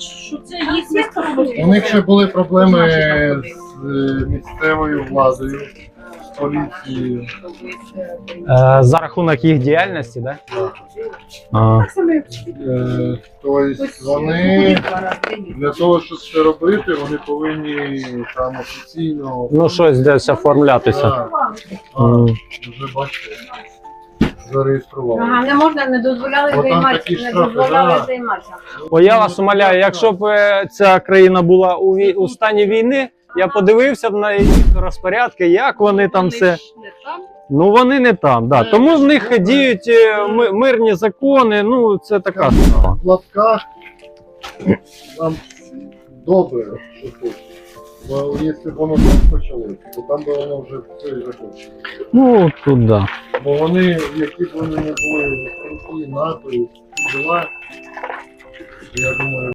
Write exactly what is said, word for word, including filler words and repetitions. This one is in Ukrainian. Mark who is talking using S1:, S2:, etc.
S1: що це їхня
S2: У них ще були проблеми з е, місцевою владою, з поліцією.
S3: Е, за рахунок їх діяльності, так? Да?
S2: Е, Тобто вони для того, щоб це робити, вони повинні там офіційно.
S3: Ну, щось десь оформлятися.
S2: Так, а,
S3: Мгм.
S2: вже бачите, зареєстрували.
S1: Ага, не можна, не дозволяли
S2: Бо там
S1: займатися,
S2: такі
S1: не
S2: штрафи,
S1: дозволяли
S2: да.
S1: займатися.
S3: О, я вас умоляю, якщо б е, ця країна була у, вій- у стані війни, я подивився б на їх розпорядки, як вони там все. Ну вони не там, да. Тому в них діють е, ми- мирні закони, ну це така справа.
S2: В лапках нам добре, що тут. Бо якщо б воно так почалося, то там би воно вже все і закінчилося.
S3: Ну тут да.
S2: Бо вони, які б вони не були в НАТО і діла, я думаю,